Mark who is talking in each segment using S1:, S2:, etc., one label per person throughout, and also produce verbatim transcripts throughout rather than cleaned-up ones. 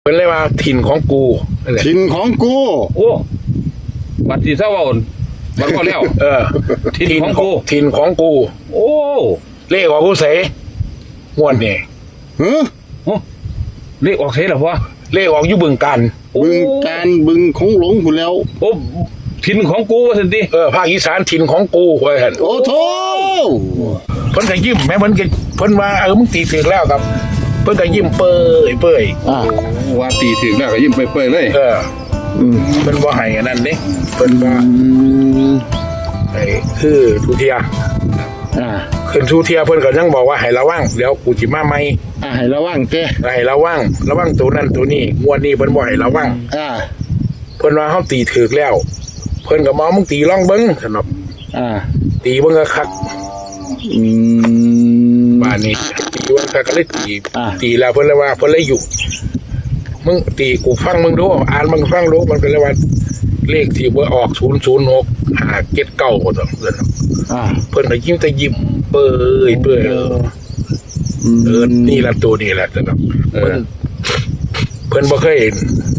S1: เป็นเลยว่าถิ่นของกูนั่นแหละ
S2: ถิ่นของกู
S3: โอ้บัตรสีเศร้าอ่อนบัตรก็แล้ว
S1: เออ
S3: ถิ่นของกู
S1: ถิ่นของกู
S3: โอ้
S1: เลขของกูเสงวดนี่
S2: เฮ้อ
S3: โอ้เลขออกเสียเหรอวะ
S1: เลขออกอยู่บึงกัน
S2: บึงการบึงคงหลงผู้แล้ว
S3: โอ้ถิ่นของกูว่าสิที
S1: เออภาคอีสานถิ่นของกูไว้หั่น
S2: โอ้โถ
S1: เพิ่นก็ยิ้มแม่เพิ่นก็เพิ่นว่าเออมึงตีถึงแล้วครับ เพิ่นก็ยิ้มเปื่อยเปื่อย
S2: อ่า
S3: ว่าตีถึงแล้วก็ยิ้มเปื่อยๆเลย
S1: เออ
S2: อืม
S1: เพิ่นบ่ให้อันนั้นเด้เพิ่นว่า
S2: อืม
S1: ไอ้คือทุเทีย
S2: อ่า
S1: ขึ้นทุเทียเพิ่นก็ยังบอกว่าให้ระวังเดี๋ยวกูสิมาใหม่
S2: อ่าให้ระวังแก
S1: ให้ระวังระวังตัวนั้นตัวนี้งวดนี้เพิ่นบ่ให้ระวัง
S2: อ่า
S1: เพิ่นว่าเฮาตีถึกแล้ว เพิ่นก็มามึงตีลองเบิ่งสนบ
S2: อ่า
S1: ตีเบิ่งก็คัก
S2: อืม
S1: บ้านนี้ตีเบิ่งคักก็เลยตี
S2: อ่า
S1: ตีแล้วเพิ่นเลยว่าเพิ่นเลยอยู่มึงตีกูฟังมึงดูอ่านมึงฟังดูมันก็เลยว่าเลขที่บ่ออกศูนย์ศูนย์หก ห้าเจ็ดเก้าบ่ต้องเพิ่น
S2: อ่า
S1: เพิ่นก็ยิ้มแต่ยิ้มเปื่อยเปื่อยเออ
S2: อืม
S1: เออนี่ละตัวนี่แหละสนบ
S3: เอ
S1: เพิ่
S3: อน
S1: เพิ่นบ่เคยเห็น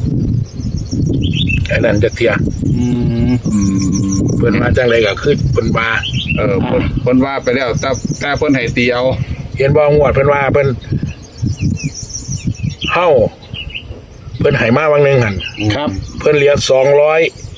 S1: อันนั้นจักเที่ย
S3: อืม
S2: อืม
S1: เพิ่นมาจังไดก็คือเพิ่นว่า
S3: เออคนคนว่าไปแล้วแต่แต่เพิ่นให้ตีเอา
S1: เห็นบ่งวดเพิ่นว่าเพิ่นเฮาเพิ่นให้มาวังหนึงหั่น
S2: ครับ
S1: เพิ่นเหลือสองร้อย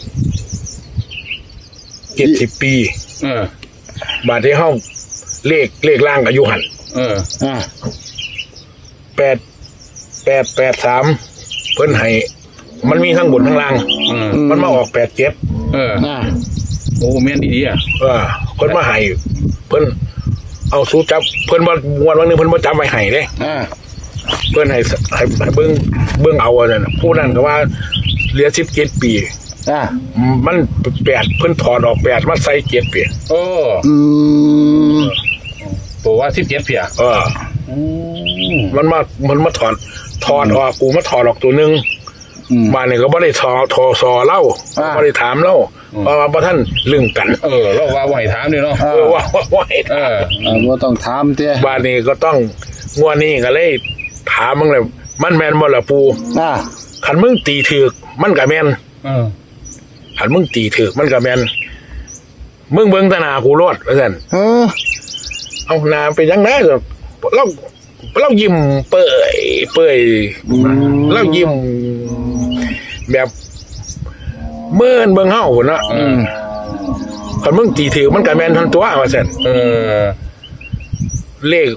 S1: เจ็ดสิบปี
S3: เออบ
S1: าดที่เฮาเลขเลขล่างก็อยู่หั่น
S3: เออ
S2: อ่า
S1: แปดแปดแปดสามเพิ่นให้มันมีทั้งบนทั้งล่าง
S3: เออ
S1: มันมาออกแปดเจ็ด
S3: เออ
S2: อ่า
S3: โอ้แม่นดีๆอ่ะ
S1: เออเพิ่นมาให้เพิ่นเอาสู้จับเพิ่นบ่งวดวันหนึงเพิ่นบ่จับไว้ให้เด้
S2: อ่า
S1: เพื่อนให้ให้ให้เบิ้งเบิ้งเอาอันนั้นน่ะผู้นั้นก็ว่าเหลือสิบเจ็ดปี
S2: อ่า
S1: มันแปดเพิ่นถอดออกแปดมาใส่เจ็ดปี
S3: โอ้
S2: อืม
S3: ตัวว่าสิบเจ็ดเพีย
S1: เออ
S3: อืม
S1: มันมามันมาถอดถอดออกกูมาถอดออกตัวหนึง
S2: อืม
S1: บ้านนี่ก็บ่ได้ทอทอซอเล่า
S2: อ่า
S1: บ่ได้ถามเล่าเพราะว่าบ่ท่านลึงกัน
S3: เออเราว่าไหวถามนี่เนาะ
S2: อ่า
S1: เออว่าว่าว่าให้
S3: เออ
S2: อ่าบ่ต้องถามเจ้
S1: บ้านนี้ก็ต้องงวดนี้ก็เลยถามมึงเลยมันแม่นบ่ล่ะปู
S2: อ่า
S1: คันมึงตีถูกมันก็แม่น
S3: เออ
S1: คันมึงตีถูกมันก็แม่นมึงเบิ่งแตหน้ากูโลดว่าซั่น
S2: เออ
S1: เอานาเป็นยังไงเราเราเรายิ้มเปื่อยเปื่อย
S2: อืม
S1: เรายิ้มแบบเมื่อนเบิ่งเฮาพุ่นเนาะ
S3: เออ
S1: คันมึงตีถือมันก็แม่นทันตัวว่าซั่น
S3: เออ
S1: เลข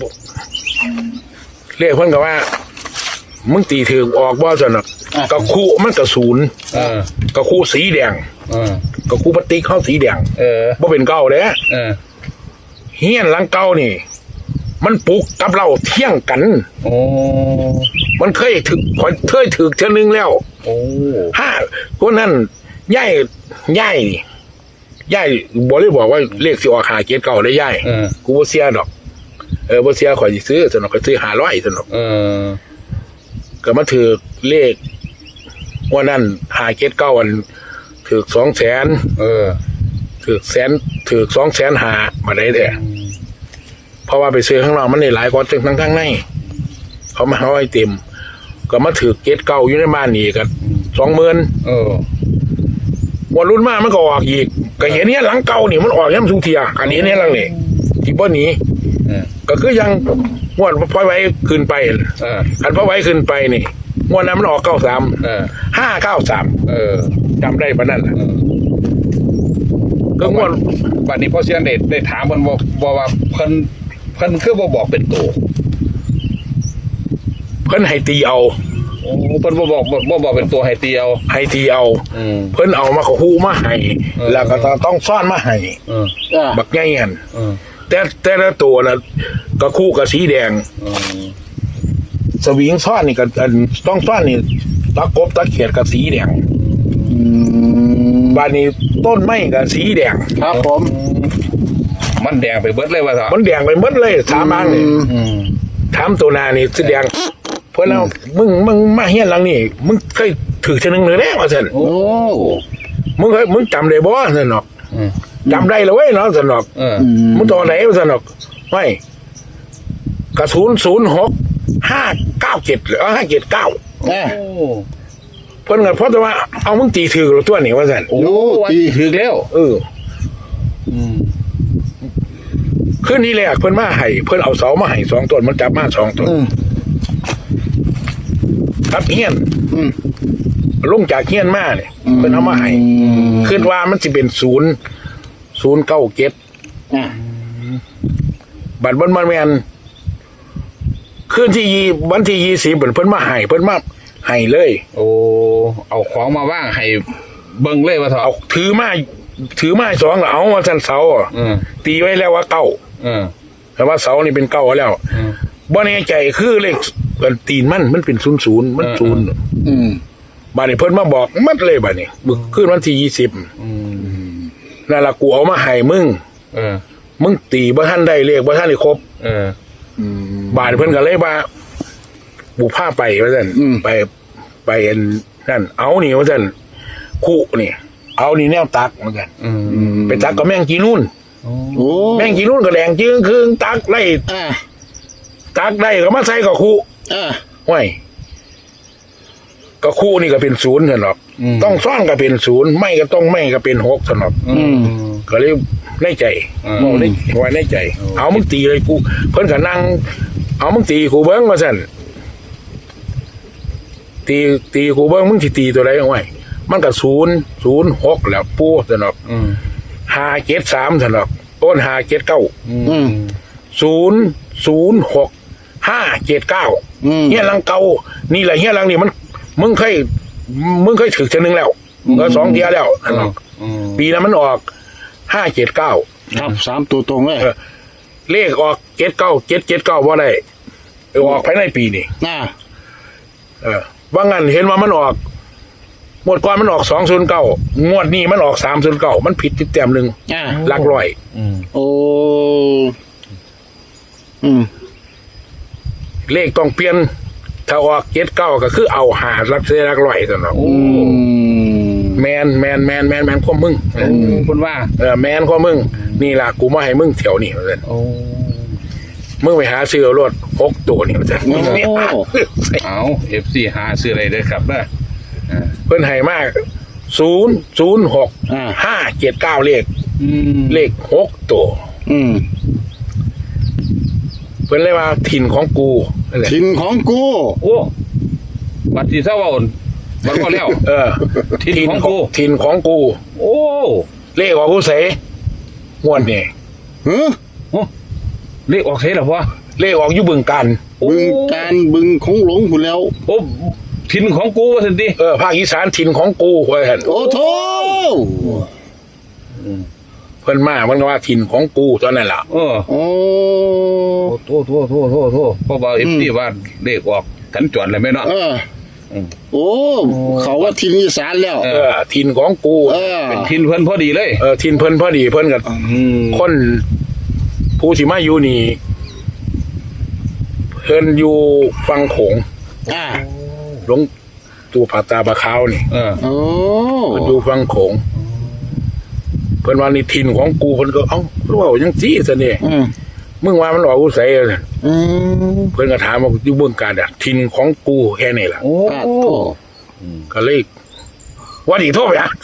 S1: เลขเพิ่นก็ว่า มึงตีถือออกบ่ซั่นน่ะก็คู่มันก็ศูนย์
S3: เออ
S1: ก็คู่สีแดง
S3: เออ
S1: ก็คู่พลาสติกเฮาสีแดง
S3: เออ
S1: บ่เป็นเก่าเด้
S3: เออ
S1: เฮียนหลังเก่านี่ มันปลุกกับเราเที่ยงกัน
S3: โอ้
S1: มันเคยถึกเคยถึกเทื่อนึงแล้ว
S3: โอ้
S1: ห้าคนนั้นย่ายย่ายย่ายบอกเลยบอกว่าเลขสิออกหาเกียรเก่าได้ย่าย
S3: เออ
S1: กูบ่เสียดอก เออบ่เสียข่อยสิซื้อสนอกก็ซื้อห้าร้อยสนอก
S3: เออ
S1: ก็มาถือเลขว่านั้นหาเกียรเก่าอันถือสองแสน
S3: เออ
S1: ถือแสนถือสองแสนหามาได้แท้เพราะว่าไปซื้อข้างนอกมันได้หลายกว่าทั้งทั้งข้างในเขามาเอาไว้เต็ม ก็มาถือเกียรเก่าอยู่ในบ้านนี่กันสองหมื่น
S3: เออ
S1: วันรุ่นมามันก็ออกอีกก็เห็นเนี่ยหลังเก่านี่มันออกย้ำทุกเทียอันนี้เนี่ยหลังนี่ที่บ่หนี
S3: เออ
S1: ก็คือยังงวดพ่อไว้ขึ้นไป
S3: เออ
S1: อันพ่อไว้ขึ้นไปนี่งวดนั้นมันออกเก้าสาม
S3: เออ
S1: ห้าเก้าสาม
S3: เออ
S1: จำได้ปะนั่นแหละ
S3: เออ
S1: ก็งวด
S3: บัดนี้พ่อเสียนได้ได้ถามเพิ่นบอกบอกว่าเพิ่นเพิ่นคือบ่บอกเป็นตัว
S1: เพิ่นให้ตีเอา
S3: โอ้เพิ่นบ่บอกบ่บ่บอกเป็นตัวให้ตีเอา
S1: ให้ตีเอา
S3: อืม
S1: เพิ่นเอามาเขาฮู้มาให้
S3: เออ
S1: แล้วก็ต้องซ่อนมาให้
S3: เออ
S2: อ่า
S1: บักใหญ่หัน
S3: เออ
S1: แต่แต่ละตัวน่ะก็คู่กับสีแดง
S3: เออ
S1: สวิงซ่อนนี่ก็อันต้องซ่อนนี่ตะกบตะเขียดกับสีแดง
S2: อืม
S1: บ้านนี้ต้นไม้กับสีแดง
S2: ครับผม
S3: มันแดงไปเบิดเลยว่าซะ
S1: มันแดงไปหมดเลยสามอันนี่
S3: อืม
S1: ถามตัวนานี่สีแดงเพื่อนเรามึงมึงมาเฮียนหลังนี่มึงเคยถือชนึงเลยแน่ว่าสัน
S2: โอ้
S1: มึงเคยมึงจำได้บ่สันหรอก
S3: อืม
S1: จำได้เลยเว้ยเนาะสันหรอก
S3: เออ
S2: อืม
S1: มึงตัวไหนว่าสันหรอกไม่กระสุนศูนย์หกห้าเก้าเจ็ดหรือห้าเจ็ดเก้า
S2: อ่ะ
S3: โอ้
S1: เพิ่นก็เพราะแต่ว่าเอามึงตีถือตัวนี่ว่าซั่น
S3: โอ้ตีถึกแล้ว
S1: เออ
S3: อืม
S1: คืนนี้แรกเพิ่นมาให้เพิ่นเอาเสามาให้สองต้นมันจับมาสองต้น
S2: อืม
S1: ครับเฮียน
S2: อืม
S1: ลงจากเฮียนมาเนี่ยเพิ่นเอามาให้คิดว่ามันสิเป็นศูนย์ศูนย์เก้าเจ็ด
S2: อ่ะ
S1: บัตรบนมันแมนคืนที่ยี่วันที่ยี่สิบเพิ่นมาให้เพิ่นมาให้เลย
S3: โอ้เอาของมาว่างให้เบิ่งเลยว่าเถอะ
S1: เอาถือมาถือมาสองแล้วเอามาสันเสาอะ
S3: เออ
S1: ตีไว้แล้วว่าเก้า
S3: เออ
S1: แต่ว่าเสานี่เป็นเก้าแล้ว
S3: เออ
S1: บ่แน่ใจคือเลขมันตีนมันมันเป็นศูนย์ศูนย์มัน
S3: เออ
S1: ศูนย์
S2: อืม
S1: บาดนี้เพิ่นมาบอกมัดเลยบาดนี้มึงคืนวันที่ยี่สิบ
S3: อืม
S1: นั่นล่ะกูเอามาให้มึง
S3: เออ
S1: มึงตีบ่ทันได้เลขบ่ทันได้ครบ
S3: เออ
S2: อืม
S1: บาดเพิ่นก็เลยว่าบุพาไปว่าซั่น
S2: อืม
S1: ไปไปอันนั่นเอานี่ว่าซั่นคู่นี่ เอานี่แนวตักเหมือนกัน
S3: อืม
S2: อืม
S1: ไปตักกับแม่งกีนุ่น
S2: โอ้
S1: แม่งกีนุ่นก็แดงจึงคืงตักไล่
S2: อ่ะ
S1: ตักได้ก็มาใส่กับคู่
S2: อ่ะ
S1: ห้วยก็คู่นี่ก็เป็นศูนย์ซั่นหรอก
S3: ม
S1: ต้องซ่อนก็เป็นศูนย์ไม่ก็ต้องไม่ก็เป็นหกซั่นหรอก
S3: อืม
S1: ก็เลยในใจ
S3: อืม
S1: บอกในไว้ในใจ
S3: อืม
S1: เอามึงตีเลยกูเพิ่นก็นั่งเอามึงตีกูเบิ้งมาสั่นตีตีกูเบิ้งมึงสิตีตัวใดเอาไว้มันก็ศูนย์ศูนย์หกแล้วปูสนอก
S3: อืม
S1: ห้าเจ็ดสามสนอกต้นห้าเจ็ดเก้า
S3: อืม
S1: ศูนย์ศูนย์หกห้าเจ็ดเก้า
S2: อืม
S1: เฮียหลังเก่านี่แหละเฮียหลังนี่มันมึงเคยมึงเคยถึกเทอนึงแล้วเออสองเทียแล้วสนอก
S3: อืม
S1: ปีนั้นมันออกห้าเจ็ดเก้า
S2: ครับสามตัวตรงเลย
S1: เออ เลขออกเจ็ดเก้าเจ็ดเจ็ดเก้าว่าได้เออออกภายในปีนี่
S2: อ่ะ
S1: เออว่างั้นเห็นว่ามันออกงวดก่อนมันออกสองศูนย์เก้างวดนี้มันออกสามศูนย์เก้ามันผิดติดแต้มหนึ่ง
S2: อ่ะ
S1: หลักร้อย
S3: อืม
S2: โอ้อืม
S1: เลขต้องเปลี่ยน ถ้าออกเจ็ดเก้าก็คือเอาหารักเสียรักร้อยสนอง
S3: โอ้
S2: อืม
S1: แมนแมนแมนแมนแมนข้อมึงเออ
S3: คุณว่า
S1: เออแมนข้อมึง นี่ล่ะกูมาให้มึงแถวนี้มาเลย
S3: โอ้
S1: มึงไปหาซื้อเอารถหกตัวนี่มาเลย
S2: โอ้
S3: เอาเอฟซีหาซื้ออะไรเลยครับเด้ออ่า
S1: เพิ่นให้มากศูนย์ศูนย์หก
S2: อ่ะ
S1: ห้าเจ็ดเก้าเลข
S3: อืม
S1: เลขหกตัว
S2: อืม
S1: เพิ่นเลยว่าถิ่นของกูนั่นแหละ
S2: ถิ่นของกู
S3: โอ้บัตรที่เศร้าอ่อนบัตรก็แล้ว
S1: เออ
S3: ถิ่นของกู
S1: ถิ่นของกู
S3: โอ้
S1: เลขของกูเสงวดนี่
S2: เฮ้อ
S3: โอ้เลขออกเท่หรอวะ
S1: เลขออกอยู่บึงกัน
S3: โอ้
S2: บึงการบึงของหลงกูแล้ว
S3: โอ้ถิ่นของกูว่าสินที
S1: เออภาคอีสานถิ่นของกูว่าซั่น
S2: โอ้โถ
S1: เพิ่นมามันก็ว่าถิ่นของกูตอนนั้นล่ะ
S3: เออ
S2: โอ้
S3: โทษโทษโทษโทษโทษเพราะว่าเอฟซีว่าเลขออกขันจวนเลยไหมเนาะ
S2: เออ
S3: อืม
S2: โอ้ เขาว่าถิ่นอีสานแล้ว
S3: เอ
S1: เออถิ่นของกู
S2: เออ
S3: เป็นถิ่นเพิ่นพอดีเลย
S1: เออถิ่นเพิ่นพอดีเพิ่นกับ
S3: อืม
S1: คนผู้สิมาอยู่นี่เพิ่นอยู่ฟังโขง
S2: อ่ะ
S1: หลวงตู่ผาตาบะขาวนี่
S3: เออ
S2: โอ้
S1: เพิ่นอยู่ฟังโขงเพิ่นว่านี่ถิ่นของกูเพิ่นก็เอ้ารู้ว่าจังซี่ซะนี่
S2: อืม
S1: มึงว่ามันออกกูใส่
S2: อืม
S1: เพิ่นก็ถามว่าอยู่เบิ่งการอ่ะถิ่นของกูแค่นี้ล่ะ
S3: โอ้
S2: ปาดโถ
S1: ก็เลยว่าดีโทษไปอ่ะ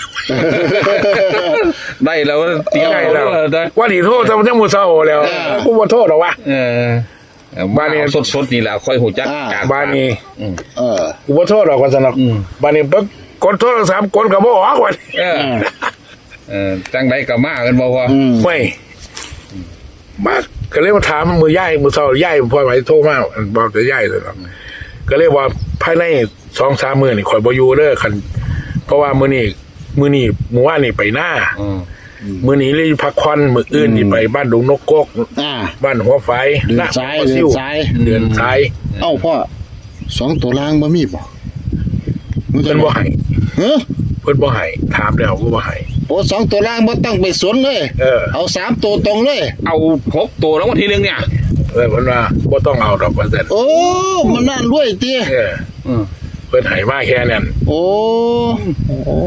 S3: ได้แล้วเตรียม
S1: ได้
S3: เอา
S1: แล้ว
S3: ได้
S1: ว่าดีโทษทำจังมือเศร้าแล้วกูบ่โทษหรอกวะ
S3: เออ
S1: บ้านนี้
S3: สดสดๆนี่แหละค่อยหูจักจาก
S1: บ้านนี้
S3: อืม
S2: เออ
S1: กูบ่โทษหรอกว่าสนับ
S3: อืม
S1: บ้านนี้ปึ๊กกดโทรศัพท์กดก็บ่ออกว่า
S3: เออเออจังไดก็มากันบ่พอ
S2: อืม
S1: ไม่มาก็เลยมาถามมือย่ายมือเศร้าย่ายพ่อไหวโทรมาบอกจะย่ายเลยหรอกก็เลยว่าภายในสองสามมื้อนี่ข่อยบ่อยู่เด้อคันเพราะว่ามื้อนี้มื้อนี้มื้อวานนี่ไปหน้า
S3: อืม
S1: มื้อนี้เลยพักผ่อนมื้ออื่นนี่ไปบ้านดงนกกก
S2: อ่า
S1: บ้านหัวไฟ
S2: เดิน
S1: หน้
S2: ซ้าย
S1: หัว
S2: เดิ
S1: ซิ
S2: น
S1: ว
S2: ซ้าย
S1: เดินซ้าย
S2: เอ้าพ่อสองตัวล่างบ่มีบ่มึงจะ
S1: เพิ่นบ่ให้
S2: เฮ้อ
S1: เพิ่นบ่ให้ถามแล้วก็บ่ให้
S2: โอ้สองตัวล่างบ่ต้องไปสนเลย
S1: เออ
S2: เอาสามตัวตรงเลย
S3: เอาพกตัวแล้ววันทีหนึงเนี่ย
S1: เออเพิ่นว่าบ่ต้องเอาดอกว่าซั่น
S2: โอ้มันน่ารวยเตี้ย
S1: เออ
S3: อืม
S1: เพิ่นให้มาแค่นั้น
S2: โอ้โอ้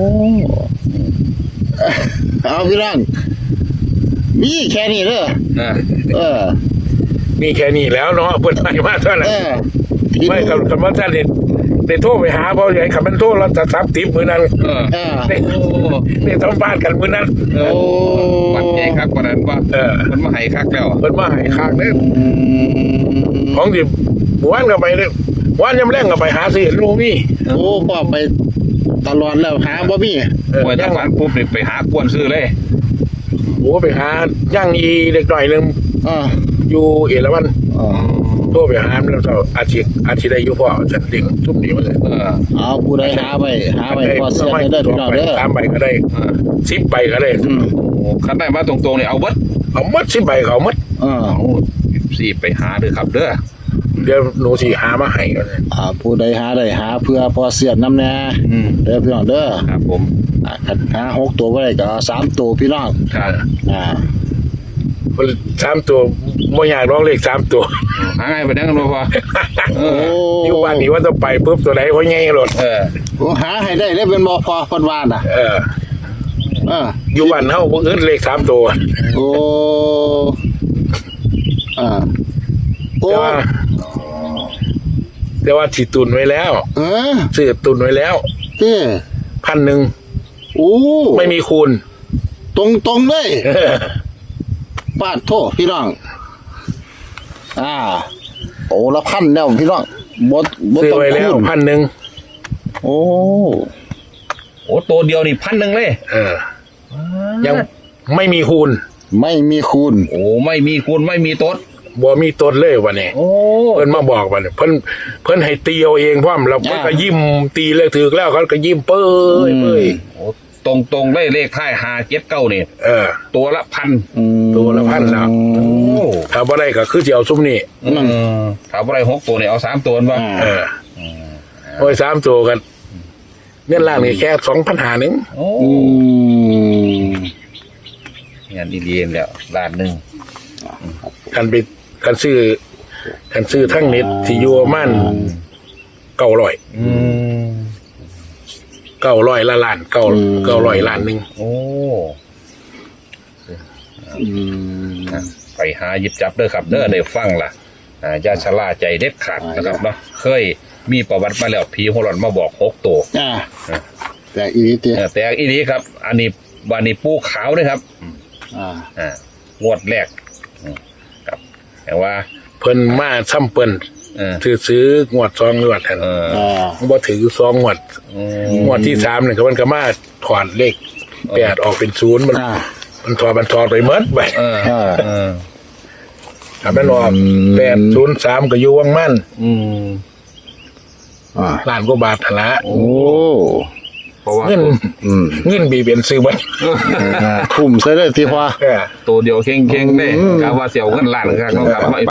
S2: เอาพี่น้องมีแค่นี้เด้อ
S3: อ่า
S2: เออ
S1: มีแค่นี้แล้วเนาะเพิ่นให้มาเท่านั้
S2: เอน อ
S1: ไม่กับกับว่าท่านได้ได้ได้โทรไปหาเพราะไอ้คำเป็นโทรเราจะซับติปมือนั้น
S3: เออ
S2: อ่า
S1: ได้ได้ทำบ้านกันมือนั้น
S3: เออวันใหญ่คักวันนั้นว่า
S1: เออ
S3: มันมาให้คักแล้ว
S1: เพิ่นมาให้ข้างเด้อของดิหวานก็ไปเด้อหวานยำแรงก็ไปหาซื้อลูกนี่
S2: โอ้พ่อไปตลอดแล้วหาบ่มี
S1: เออ
S3: มวย
S1: ย่า
S3: ตาง ฝันปุ๊บนี่ไปหากวนซื้อเลย
S1: โอ้ไปหาย่างอีเด็กหน่อยหนึง
S2: อ่า
S1: อยู่เอราวัณ
S2: อ่า
S1: โทรไปหาแล้วก็อาทิตย์อาทิตย์ได้อยู่พ่อจะเด็กทุกนี้มาเลย
S3: เออ
S2: เอาผู้ใดหาไปหาไปพอเสียได้เด้อพี่น้องเด้อ
S1: สามใบก็ได้
S3: เออ
S1: สิบใบก็ได้
S2: อืม
S3: โอ้คันได้มาตรงๆนี่เอาเบิด
S1: เอาหมัดสิบใบเขาหมัด
S2: อ่า
S3: เอาสี่ไปหาเด้อครับเด้อ
S1: เดี๋ยวหนูสิหามาให้กันเลย
S2: อ่าผู้ใดหาได้หาเพื่อพอเสียน้ำแน่
S3: อืม
S2: เด้อพี่น้องเด้อ
S3: ครับผม
S2: อ่าคันหาหกตัวบ่ได้ก็เอาสามตัวพี่น้อง
S3: ครับ
S2: อ่า
S1: คนสามตัวไม่อยากร้องเลขสามตัว
S3: หาง่ายไปนั่งกันบ่พอเอ
S2: โอ้
S3: อ
S1: อยู่บ้านนี้ว่าต้องไปปุ๊บตัวไหนเพราะไงรถ
S3: เออ
S2: โอ้หาให้ได้เลยเป็นบ่พอเพิ่นว่าน่ะ
S1: เออ
S2: อ่า
S1: อยู่บ้านเฮาบ่อึดเลขสามตัว
S2: โอ้อ่าโอ้
S1: แต่ว่าแต่ว่าสิตุนไว้แล้ว
S2: เออ
S1: ซื้อตุนไว้แล้ว
S2: เอ้อ
S1: พันหนึ่ง
S2: โอ้
S1: ไม่มีคูณ
S2: ตรงตรงๆเลย
S1: เออ
S2: ปาดโทษพี่น้อง อ่า โอ้ละพันแล้วพี่น้องบ่บ่
S1: ซื้อ
S2: ต้อง
S1: ไว้แล้ว
S2: คูณ
S1: พันหนึ่ง
S2: โอ้
S3: โอ้ตัวเดียวนี่พันหนึ่งเลย
S1: เออ ยังไม่มีคูณ
S2: ไม่มีคูณ
S3: โอ้ไม่มีคูณไม่มีต้น
S1: บ่มีต้นเลยวันนี้
S3: โอ้
S1: เพิ่นมาบอกวันนี้เพิ่นเพิ่นให้ตีเอาเองพร้อมแล้วเพิ่นก็ยิ้มตีเลยถือแล้วเขาก็ยิ้มเป้ยเป้ย
S3: โอ้ตรงตรงๆเลยเลขท้ายหาเจ็ดเก้านี่
S1: เออ
S3: ตัวละพัน
S2: อืม
S1: ตัวละพันแล้ว
S3: โอ้
S1: ถ้าบ่ได้ก็คือสิเอาซุมนี้
S3: อืมถามว่าอะไรหกตัวเนี่ยเอาสามตัวบ้าง
S2: อ่า
S1: เออโอ้ยสามตัวกันเงินล่างนี่แค่สองพันหาหนึ่ง
S3: โอ้
S2: อืม
S3: งานดีๆแล้วล้านหนึ่ง
S1: กันไปกันซื้อกันซื้อทั้งเน็ตที่อยู่ประมันเก้าร้อย
S3: อืม
S1: เก้าร้อยละล้านเก้าเก้าร้อยล้านหนึ่ง
S3: โอ้
S2: อืม
S3: ไปหาหยิบจับเด้อครับเด้อได้ฟังล่ะอ่าอย่าชะล่าใจเด็ดขาดนะครับเนาะเคยมีประวัติมาแล้วผีหัวหลอนมาบอกหกตัว
S2: อ่าแต่อีนี้เตี้ย
S3: เออแต่อีนี้ครับ อันนี้วานี้ปูขาวด้วยครับ
S2: อ่า
S3: อ่างวดแรกอืมครับแต่ว่า
S1: เพิ่นมาซ้ำเปิ้น
S3: เออ
S1: ถือซื้องวดสองงวดทัน
S3: เออ
S2: อ่า
S1: บ่ถือสองงวด
S3: อืม
S1: งวดที่สามเนี่ยก็มันก็มาถอดเลขแปดออกเป็นศูนย์มัน
S2: อ่า
S1: มันถอดมันถอดไปเมดไป
S3: เออ
S2: อ่า
S3: เออ
S1: ถ้ามันออก
S2: อืม
S1: แปดศูนย์สามก็อยู่วังมั่น
S3: อืม
S2: อ่า
S1: ล้านกว่าบาทหั่นละ
S2: โอ้
S3: เพราะว่า
S1: เงิน
S2: อืม
S1: เงินบีเป็นซื้อบัด
S2: อ่าทุ่มใส่เลยที่พอ
S1: เออ
S3: ตัวเดียวเข่งๆได้
S2: อืม
S3: กะว่าเสียวเงินล้านครับเนาะครับ